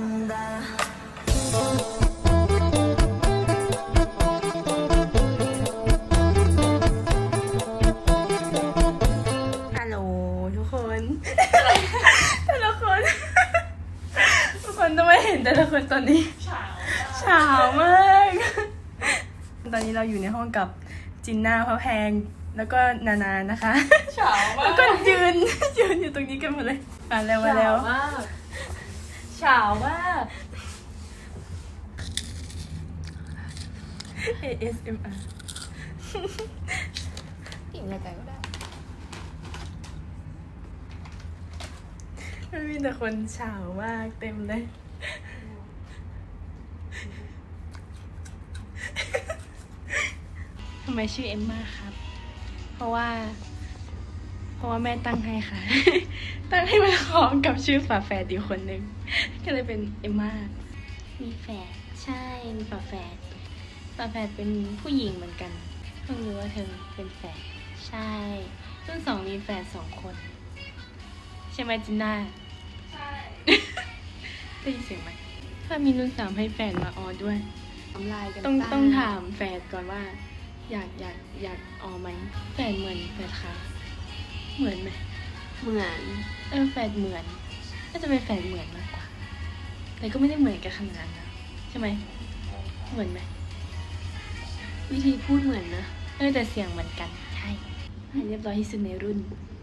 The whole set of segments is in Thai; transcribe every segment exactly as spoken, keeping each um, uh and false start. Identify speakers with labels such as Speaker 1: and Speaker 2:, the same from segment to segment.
Speaker 1: ฮัลโหลทุกคนแต่ละคนทุกคนต้องไม่เห็นแต่ละคนตอนนี้เฉามากตอนนี้เราอยู่ในห้องกับจินน่าพระแพงแล้วก็นานานะคะ
Speaker 2: เฉามาก
Speaker 1: แล้วก็ยืนยืนอยู่ตรงนี้กันหมดเลยมาแล้วมาแล้ว
Speaker 2: เฉามาก
Speaker 1: เอ เอส เอ็ม อาร์
Speaker 2: กินอะไรกันก็ได้
Speaker 1: มันมีแต่คนเฉามากเต็มเลยทำไมชื่อเอมม่าครับ เพราะว่า เพราะว่าแม่ตั้งให้ค่ะ ตั้งให้มันคล้องกับชื่อฝาแฝดอีกคนนึงก็เลยเป็นเอมม่ามีแฝดใช่มีฝาแฝดฝาแฝดเป็นผู้หญิงเหมือนกันเพิ่งรู้ว่าเธอเป็นแฝดใช่รุ่นสองมีแฝดสองคนใช่ไหมจินน่า
Speaker 2: ใช่
Speaker 1: ได้ยินเสียงไหมถ้ามีรุ่นสามให้แฝดมาออด้วย
Speaker 2: ทำลายกัน
Speaker 1: ต้องต้องถามแฝดก่อนว่า อยากอยากอยากออไหมแฝดเหมือนแฝดค่ะเหมือนไหม
Speaker 2: เหมือน
Speaker 1: เออแฝดเหมือนน่าจะเป็นแฝดเหมือนมากกว่าแต่ก็ไม่ได้เหมือนกันขนาดนั้นนะใช่ไหมเหมือนไหม
Speaker 2: วิธีพูดเหมือนนะ
Speaker 1: เออแต่เสียงเหมือนกันใช่เรียบร้อยที่สุดในรุ่น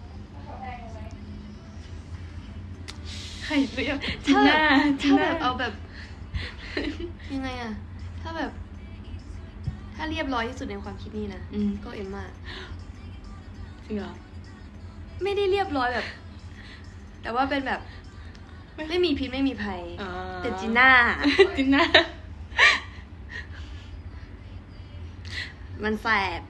Speaker 1: ใครเรียกจิน่าจิ
Speaker 2: ถ้า
Speaker 1: น่า
Speaker 2: แบบเอาแบบ ยังไงอะถ้าแบบ ถ้าเรียบร้อยที่สุดในความคิดนี่นะก็เอมม่า
Speaker 1: จริงเหรอ
Speaker 2: ไม่ได้เรียบร้อยแบบ แต่ว่าเป็นแบบ ไม่มีพิษไม่มีภัยแต่จีน่า
Speaker 1: จิน่า
Speaker 2: มันแสบ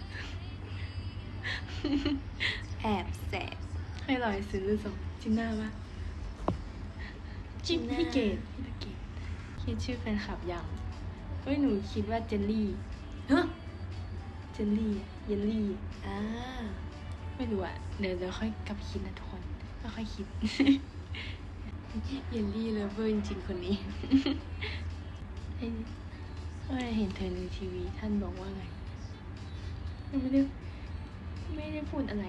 Speaker 2: แอบแสบ
Speaker 1: ให้ลอยซื้อรุ่นสองจิน่าปะจินพี่เกดพี่ตะเกดคิดชื่อแฟนคลับยังเฮ้ยหนูคิดว่าเจลลี่
Speaker 2: ฮะ
Speaker 1: เจลลี่เยลลี่
Speaker 2: อ่า
Speaker 1: ไม่รู้อะเดี๋ยวเดี๋ยวค่อยกลับคิดนะทุกคนค่อยๆคิด
Speaker 2: เยลลี่เลฟเวอร์จริงๆคนนี้
Speaker 1: เฮ้ยเห็นเธอในทีวีท่านบอกว่าไงไม่ได้ไม่ได้พูดอะไร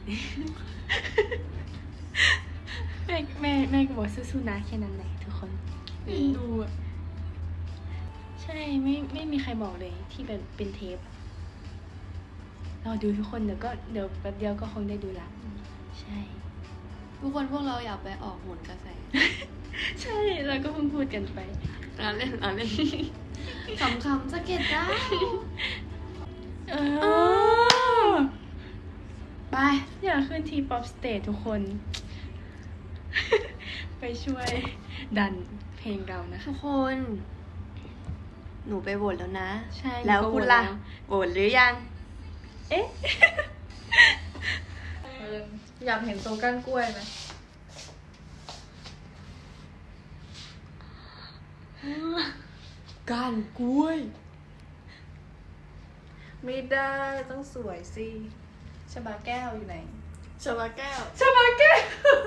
Speaker 1: แม่แม่แม่ก็บอกสู้ๆนะแค่นั้นแหละทุกคนดูอะใช่ไม่ไม่มีใครบอกเลยที่เป็นเป็นเทปเราดูทุกคนเดี๋ยวก็เดี๋ยวแป๊บเดียวก็คงได้ดูละใช่
Speaker 2: ทุกคนพวกเราอยากไปออกโหนกระแส
Speaker 1: ใช่เราก็เพิ่งพูดกันไป
Speaker 2: อ่านเล่นอ่านเล่นคำคำสะเก็ดได้
Speaker 1: เออไปอยากขึ้นทีป๊อปสเตจทุกคน ไปช่วยดันเพลงเรานะ
Speaker 2: ทุกคน หนูไปโหวตแล้วนะ
Speaker 1: ใช่
Speaker 2: แล้วคุณล่ะโหวตหรือยัง
Speaker 1: เอ๊ะ
Speaker 3: อยากเห็นตัวก้านกล้วยไหม
Speaker 2: ก้านกล้วย
Speaker 3: ไม่ได้ต้องสวยสิชบาแก้วอยู่ไหน
Speaker 2: ชบาแก้ว
Speaker 3: ชบาแก้ว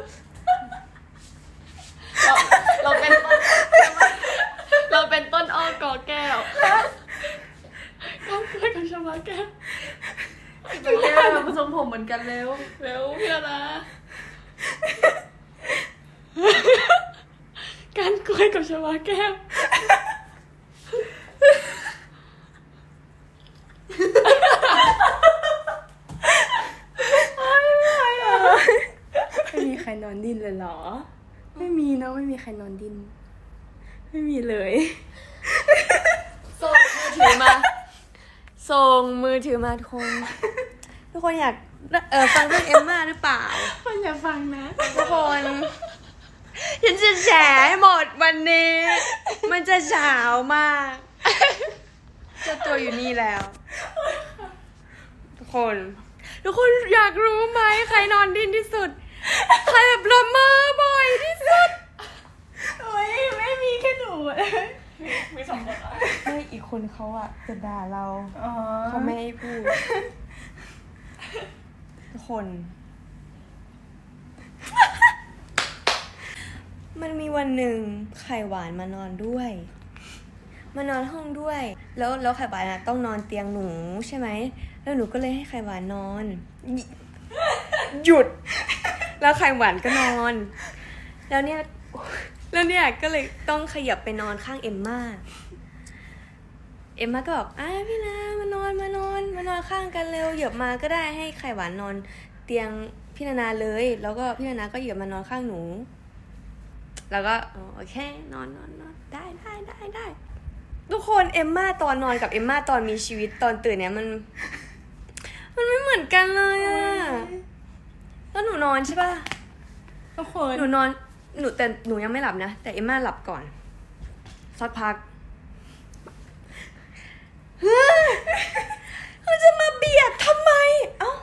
Speaker 2: เราเราเป็นต้นเราเป็นต้นอ้อกอแก้วก้านกล้วยกับชบาแก้ว
Speaker 3: ชบาแก้วผสมผมเหมือนกันเร็ว
Speaker 2: เร็วเพื่อนนะ
Speaker 1: ก้านกล้วยกับชบาแก้วไม่มีใครนอนดิ้นเลยเหรอไม่มีเนาะไม่มีใครนอนดิ้นไม่มีเลย
Speaker 2: ส่งมือถือมาส่งมือถือมาทุกคนทุกคนอยากเออฟังเรื่องเอมม่าหรือเปล่า
Speaker 1: คนอยากฟังนะ
Speaker 2: ทุกคนฉันจะแฉให้หมดวันนี้ มันจะเฉามากเจ้าตัวอยู่นี่แล้วทุกคนทุกคนอยากรู้ไหมใครนอนดิ้นที่สุดใครแบบละเมอบ่อยที่สุด
Speaker 1: โอ้ยไม่มีแค่หนู
Speaker 3: มีสองคนอ่ะ
Speaker 1: ไม่อีกคนเขาอ่ะจะด่าเรา
Speaker 2: เขาไม่ให้พูดทุกคนมันมีวันหนึ่งไข่หวานมานอนด้วย มานอนห้องด้วย แล้วแล้วไข่หวานอะต้องนอนเตียงหนูใช่ไหม แล้วหนูก็เลยให้ไข่หวานนอน หยุด แล้วไข่หวานก็นอน แล้วเนี่ย แล้วเนี่ยก็เลยต้องขยับไปนอนข้างเอมม่า เอมม่าก็บอกอ่ะพี่นามานอนมานอนมานอนข้างกันเร็วเหยียบมาก็ได้ให้ไข่หวานนอนเตียงพี่นานาเลย แล้วก็พี่นานาก็เหยียบมานอนข้างหนู แล้วก็อ๋อโอเคนอนนอนนอนได้ได้ได้ได้ทุกคนเอมม่าตอนนอนกับเอมม่าตอนมีชีวิตตอนตื่นเนี่ยมัน มันไม่เหมือนกันเลยอะแล้วหนูนอนใช่ป่ะ
Speaker 1: ทุกคน
Speaker 2: หนูนอนหนูแต่หนูยังไม่หลับนะแต่เอมม่าหลับก่อนสักพักเฮ้ยเขาจะมาเบียดทำไมเอ้า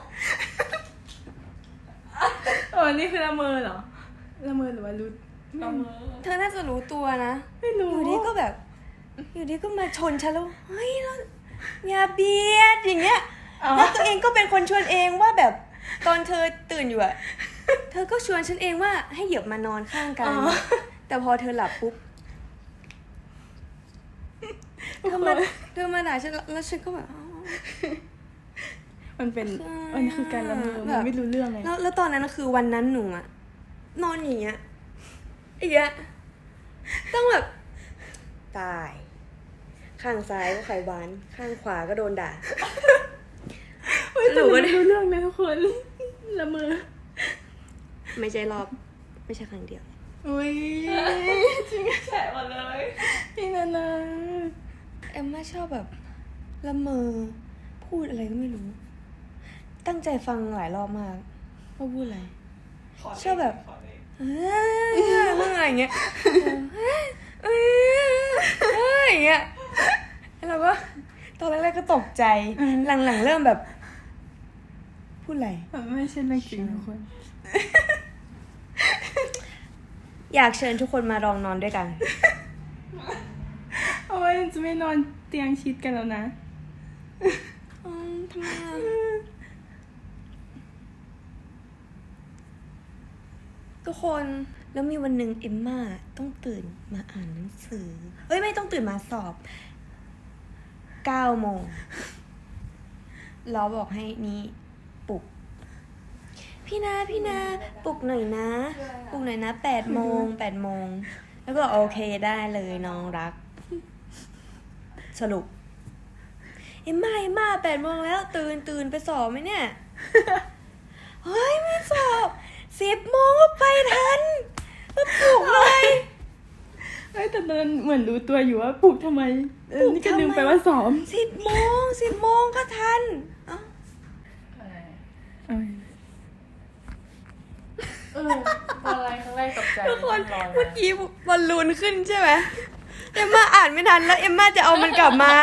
Speaker 1: เออนี่คือละเมอเหรอละเมอหรือว่ารู้ละเมอ
Speaker 2: เธอน่าจะรู้ตัวนะ
Speaker 1: ไม่รู้
Speaker 2: อยู่ดีก็แบบ อยู่ดีก็มาชนฉันแล้วเฮ้ยแล้วอย่าเบียดอย่างเงี้ยแล้วตัวเองก็เป็นคนชวนเองว่าแบบตอนเธอตื่นอยู่อะเธอก็ชวนฉันเองว่าให้เหยียบมานอนข้างกัน แต่พอเธอหลับปุ๊บเธอมาเธอมาด่าฉันแล้วฉันก็แบบอ๋อ
Speaker 1: มันเป็นมันคือการละเมอ
Speaker 2: แบ
Speaker 1: มัน
Speaker 2: บ
Speaker 1: ไม่รู้เรื่องไง
Speaker 2: แล้วแล้วตอนนั้นคือวันนั้นหนูอะนอนอย่างเงี้ยอย่างเงี้ยต้องแบบตาย ข้างซ้ายก็ไข่หวาน ข้างขวาก็โดนด่า
Speaker 1: เฮ้ยแต่ไม่รู้เรื่องเลยทุกคนละเมอ
Speaker 2: ไม่ใช่รอบ ไม่ใช่ครั้งเดียว
Speaker 1: อุ้ยจริงแฉะหมดเลยพี่นานา
Speaker 2: เอ็มม่าชอบแบบละเมอพูดอะไรก็ไม่รู้ ตั้งใจฟังหลายรอบมากว่าพูดอะไรชอบแบบเฮ้ยอะไรอย่างเงี้ยเฮ้ยเฮ้ยเฮ้ยอย่างเงี้ยแล้วเราก็ตอนแรกๆก็ตกใจหลังๆเริ่มแบบ พูดอะไร
Speaker 1: มันไม่ใช่เรื่องจริงทุกคน
Speaker 2: อยากเชิญทุกคนมาลองนอนด้วยกัน
Speaker 1: โอ้ยจะไม่นอนเตียงชิดกันแล้วนะ
Speaker 2: อืมทำไมอ่ะทุกคนแล้วมีวันหนึ่งเอมม่าต้องตื่นมาอ่านหนังสือเอ้ยไม่ต้องตื่นมาสอบเก้าโมงเราบอกให้นี่ปลุก พี่นาพี่นาปลุกหน่อยนะปลุกหน่อยนะแปดโมงแปดโมงแล้วก็โอเคได้เลยน้องรัก สรุปเอ็มมาเอ็มมาแปดโมงแล้วตื่นตื่นไปสอบไหมเนี่ย เฮ้ยไม่สอบสิบโมงก็ไปทันมาปลุกเลย
Speaker 1: เอ้ยแต่ตอนนั้นเหมือนรู้ตัวอยู่ว่าปลุกทำไมเออนี่ก็ลืมไปว่าซ้อม
Speaker 2: สิบโมงสิบโมงก็ทันเอ้า
Speaker 1: เออ
Speaker 3: เออตอนแรกครั้งแรกตกใจ
Speaker 2: ทุกคน
Speaker 3: ลอย
Speaker 2: เมื่อกี้บอลลูนขึ้นใช่ไหมเอ็มมาอ่านไม่ทันแล้วเอ็มมาจะเอามันกลับมา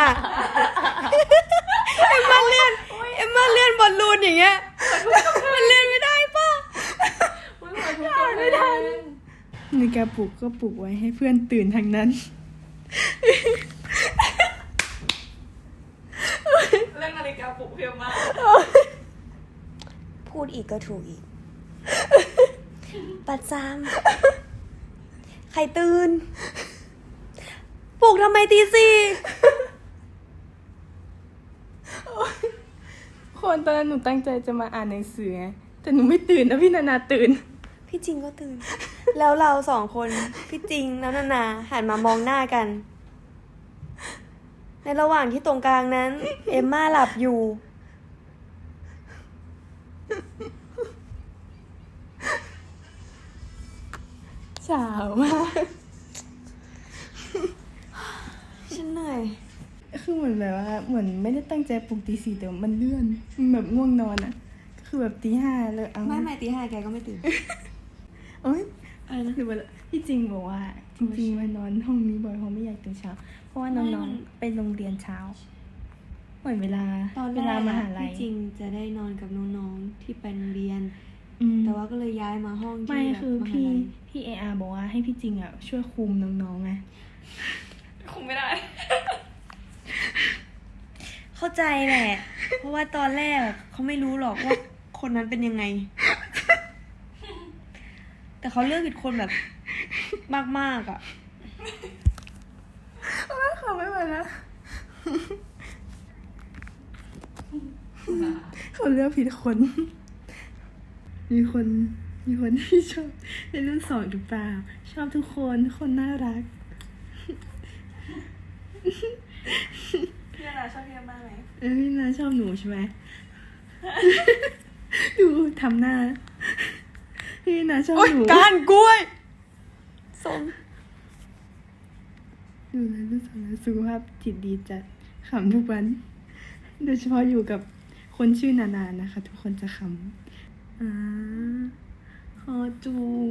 Speaker 2: เอ็มมาเลื่อนเอ็มมาเลื่อนบอลลูนอย่างเงี้ยมันเลื่อนไม่ได้ป่ะ
Speaker 3: มันหัวทุกคนไม่ทัน
Speaker 1: นาฬิกาปลุกก็ปลุกไว้ให้เพื่อนตื่นทางนั้น
Speaker 3: เรื่องนาฬิกาปลุกเพียงมาก
Speaker 2: พูดอีกก็ถูกอีก ประจำใครตื่น ปลุกทำไมตีสี่
Speaker 1: คนตอนนั้นหนูตั้งใจจะมาอ่านหนังสือไงแต่หนูไม่ตื่นนะพี่นานาตื่น
Speaker 2: พี่จริงก็ตื่น แล้วเราสองคน พี่จริงแล้วนานาหันมามองหน้ากัน ในระหว่างที่ตรงกลางนั้น เอมม่าหลับอยู่
Speaker 1: สาวมาก
Speaker 2: ฉันเหนื่อย
Speaker 1: คือเหมือนแบบว่าเหมือนไม่ได้ตั้งใจปลุกตีสี่แต่มันเลื่อนมันแบบง่วงนอนอ่ะก็คือแบบตีห้าเลยเอา
Speaker 2: ไม่ไม่ตีห้าแกก็ไม่ตื่น
Speaker 1: เอ้ยอะไรนะหรือว่าพี่จริงบอกว่าจริงๆมานอนห้องนี้บ่อยเพราะไม่อยากตื่นเช้า เพราะว่าน้
Speaker 2: ไม่มั
Speaker 1: อง
Speaker 2: น
Speaker 1: ๆไปโรงเรียนเช้าเหมือนเวลา
Speaker 2: ตอน
Speaker 1: เว
Speaker 2: แร
Speaker 1: ลาก มหา
Speaker 2: อะ
Speaker 1: ลัย
Speaker 2: พี่จริงจะได้นอนกับน้องๆที่ไปโรงเรียน
Speaker 1: อืม
Speaker 2: แต่ว่าก็เลยย้ายมาห้องที่
Speaker 1: ไม่
Speaker 2: แบบ
Speaker 1: คือ
Speaker 2: มหา
Speaker 1: พี่
Speaker 2: ลัย
Speaker 1: พี่เออาบอกว่าให้พี่จริงอ่ะช่วยคุมน้องๆไง
Speaker 3: คงไม่ได้
Speaker 2: เข้าใจแหละ เพราะว่าตอนแรกเขาไม่รู้หรอกว่าคนนั้นเป็นยังไง แแต่เขาเลือกผิดคนแบบมากๆอ่ะ
Speaker 1: เขาไม่ไหวแล้วเขาเลือกผิดคน มีคน มีคนที่ชอบในรุ่นสองหรือเปล่า ชอบทุกคนทุกคนน่ารัก
Speaker 3: พี่นาชอบพี่มากไหม
Speaker 1: เอ้ยพี่นาชอบหนูใช่ไหม ดูทำหน้า พี่นาชอบหนู
Speaker 2: ก้านกล้วยสม
Speaker 1: ดูแลลูกสาวและสุขภาพจิตดีจัดขำทุกวัน โดยเฉพาะอยู่กับคนชื่อนานานะคะ ทุกคนจะขำอ่าคอจุง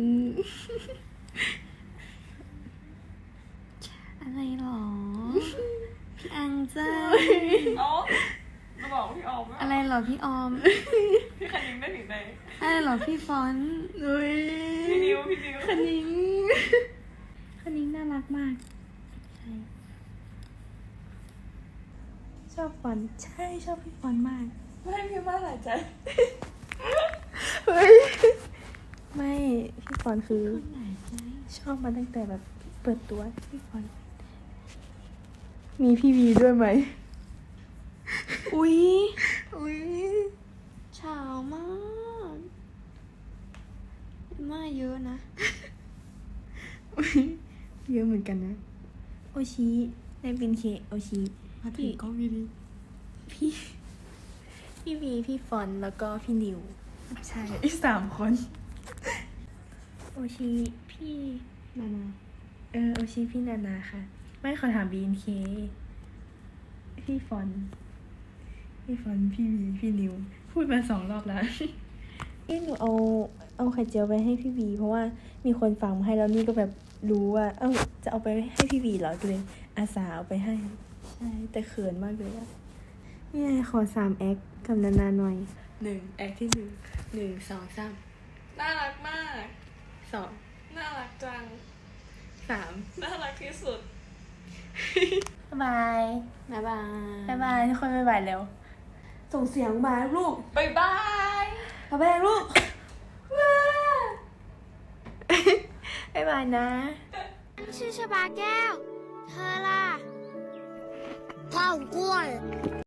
Speaker 2: อะไรหรอ พี่อังจ้า
Speaker 3: เอ๋อมาบอกพี่ออมว่า
Speaker 2: อะไรหรอพี่ออม
Speaker 3: พี่คันยิงได้ถึงไหน
Speaker 2: อะไรหรอพี่ฟอนต์
Speaker 1: เฮ้ย
Speaker 3: พี่ดิวพี่ดิว
Speaker 1: คณิงคณิงน่ารักมาก ใช่ ชอบฟอนต์ใช่ชอบพี่ฟอนต์มาก
Speaker 3: ไม่ให้พี่มาหลายใจ
Speaker 1: เฮ้ย ไม่พี่ฟอนต์คือ ชอบมาตั้งแต่แบบเปิดตัวพี่ฟอนต์มีพี่วีด้วยไหม
Speaker 2: อุ๊ย
Speaker 1: อุ้ย
Speaker 2: เฉามากมาเยอะนะ
Speaker 1: อุ๊ยเยอะเหมือนกันนะ
Speaker 2: โอชิในเป็นเคโอชิ
Speaker 1: มาถึงก็มีดี
Speaker 2: พี่ พี่วีพี่ฟอนต์แล้วก็พี่นิว
Speaker 1: ใช่อีกสามคน
Speaker 2: โอชิพี่
Speaker 1: นานา
Speaker 2: เออโอชิพี่นานาค่ะ
Speaker 1: ไม่ขอถามบีนเคพี่ฟอนต์พี่ฟอนต์พี่วีพี่นิว พูดมาสองรอบแล้ว
Speaker 2: เอ้หนูเอาเอาไข่เจียวไปให้พี่วีเพราะว่ามีคนฟังมาให้แล้วนี่ก็แบบรู้ว่า เอ้าจะเอาไปให้พี่วีเหรอก็เลยอาสาเอาไปให้ ใช่แต่เขินมากเลยอะ
Speaker 1: นี่ไงขอสามแอคกับนานาหน่อยหนึ่งแอคที่หนึ่งหนึ่งสองสาม
Speaker 3: น่ารักมาก
Speaker 1: สอง
Speaker 3: น่ารักจัง
Speaker 1: สาม
Speaker 3: น่ารักที่สุด
Speaker 2: บ๊ายบาย
Speaker 1: บ๊ายบาย
Speaker 2: บ๊ายบายทุกคนบ๊ายบายเร็ว
Speaker 1: ส่งเสียงมาลูก
Speaker 3: บ๊ายบาย
Speaker 2: บ๊ายบายลูก บ๊ายบายนะ
Speaker 4: ชื่อชบาแก้ว เธอล่ะพ่ออ้วน